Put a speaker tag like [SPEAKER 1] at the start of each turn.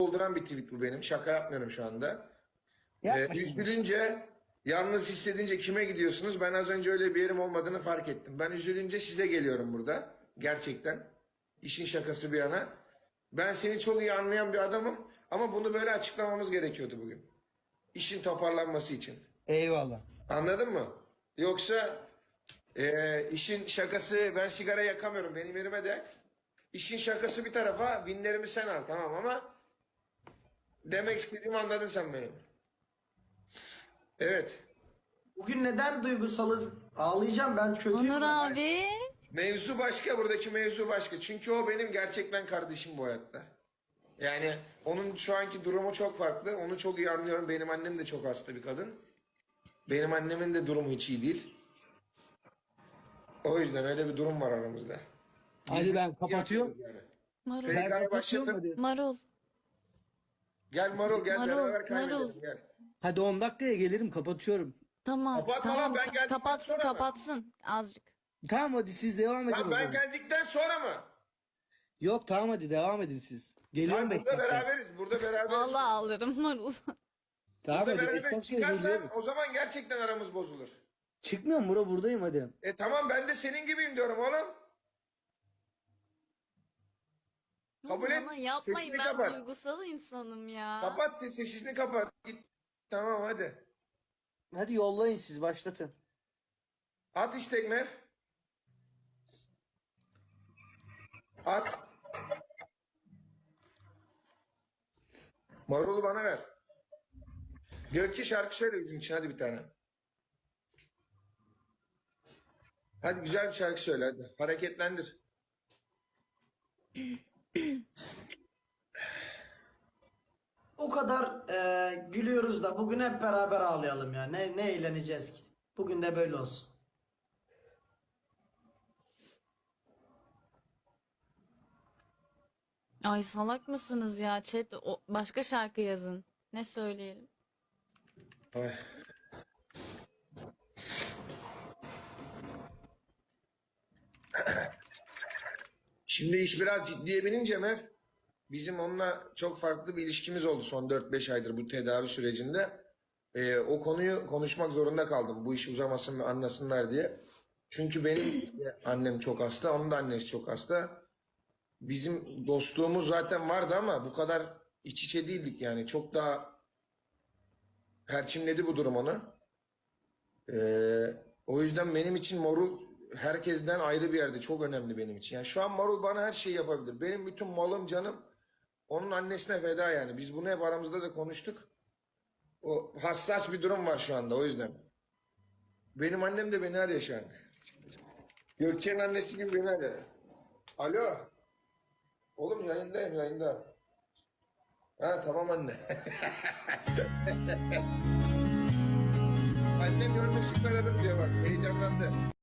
[SPEAKER 1] dolduran bir tweet bu benim. Şaka yapmıyorum şu anda.
[SPEAKER 2] Yapma şimdi.
[SPEAKER 1] Üzülünce, yalnız hissedince kime gidiyorsunuz? Ben az önce öyle bir yerim olmadığını fark ettim. Ben üzülünce size geliyorum burada. Gerçekten. İşin şakası bir yana. Ben seni çok iyi anlayan bir adamım. Ama bunu böyle açıklamamız gerekiyordu bugün. İşin toparlanması için.
[SPEAKER 2] Eyvallah.
[SPEAKER 1] Anladın mı? Yoksa işin şakası, ben sigara yakamıyorum benim yerime de. İşin şakası bir tarafa, binlerimi sen al, tamam, ama demek istediğimi anladın sen benim. Evet.
[SPEAKER 3] Bugün neden duygusalız? Ağlayacağım, ben kötüyüm.
[SPEAKER 4] Onur abi.
[SPEAKER 1] Mevzu başka, buradaki mevzu başka. Çünkü o benim gerçekten kardeşim bu hayatta. Yani onun şu anki durumu çok farklı. Onu çok iyi anlıyorum. Benim annem de çok hasta bir kadın. Benim annemin de durumu hiç iyi değil. O yüzden öyle bir durum var aramızda.
[SPEAKER 2] Hadi ben kapatıyorum.
[SPEAKER 1] Yani.
[SPEAKER 4] Marul.
[SPEAKER 2] Ben
[SPEAKER 1] PK'yı
[SPEAKER 2] kapatıyorum
[SPEAKER 1] başlatın.
[SPEAKER 2] hadi.
[SPEAKER 4] Marul.
[SPEAKER 1] Gel Marul, gel
[SPEAKER 4] Marul,
[SPEAKER 1] beraber kaybedelim,
[SPEAKER 4] Marul.
[SPEAKER 1] gel.
[SPEAKER 2] Hadi 10 dakikaya gelirim, kapatıyorum.
[SPEAKER 4] Tamam.
[SPEAKER 1] Kapatma
[SPEAKER 4] tamam.
[SPEAKER 1] lan, ben geldikten
[SPEAKER 4] Kapatsın
[SPEAKER 1] sonra mı?
[SPEAKER 4] kapatsın. Azıcık.
[SPEAKER 2] Tamam hadi siz devam edin
[SPEAKER 1] Lan
[SPEAKER 2] o
[SPEAKER 1] ben
[SPEAKER 2] zaman.
[SPEAKER 1] geldikten sonra mı?
[SPEAKER 2] Yok tamam hadi devam edin siz. Geliyorum
[SPEAKER 1] Lan burada
[SPEAKER 2] beklerken.
[SPEAKER 1] beraberiz, burada beraberiz.
[SPEAKER 4] Vallahi ağlarım Marul.
[SPEAKER 2] Tamam
[SPEAKER 1] Burada
[SPEAKER 2] hadi
[SPEAKER 1] beraberiz.
[SPEAKER 2] beklerken
[SPEAKER 1] Çıkarsan
[SPEAKER 2] geliyorum.
[SPEAKER 1] o zaman gerçekten aramız bozulur.
[SPEAKER 2] Çıkmıyorum Murat, buradayım hadi.
[SPEAKER 1] Tamam, ben de senin gibiyim diyorum oğlum. Kabul et.
[SPEAKER 4] Ama yapmayın,
[SPEAKER 1] Sesini
[SPEAKER 4] ben
[SPEAKER 1] kapat.
[SPEAKER 4] duygusal insanım ya.
[SPEAKER 1] Kapat sesini kapat. Git. Tamam hadi.
[SPEAKER 2] Hadi yollayın siz, başlatın.
[SPEAKER 1] At istek Mev. At. Marul'u bana ver. Gökçe şarkı söyle bizim için, hadi bir tane. Hadi güzel bir şarkı söyle hadi. Hareketlendir.
[SPEAKER 3] O kadar gülüyoruz da bugün hep beraber ağlayalım ya. Ne eğleneceğiz ki? Bugün de böyle olsun.
[SPEAKER 4] Ay salak mısınız ya chat? Başka şarkı yazın. Ne söyleyelim?
[SPEAKER 1] Ay. Şimdi iş biraz ciddiye binince Mev, bizim onunla çok farklı bir ilişkimiz oldu son 4-5 aydır bu tedavi sürecinde. O konuyu konuşmak zorunda kaldım. Bu iş uzamasın ve anlasınlar diye. Çünkü benim annem çok hasta, onun da annesi çok hasta. Bizim dostluğumuz zaten vardı ama bu kadar iç içe değildik yani. Çok daha perçinledi bu durum onu. O yüzden benim için Marul herkesten ayrı bir yerde, çok önemli benim için. Yani şu an Marul bana her şeyi yapabilir. Benim bütün malım, canım onun annesine feda yani. Biz bunu hep aramızda da konuştuk. O hassas bir durum var şu anda, o yüzden. Benim annem de beni arıyor şu an. Gökçe'nin annesi gibi beni arıyor. Alo. Oğlum yayındayım, yayında. Ha tamam anne. Annem görmüşsün aradım diyor bak, heyecanlandı.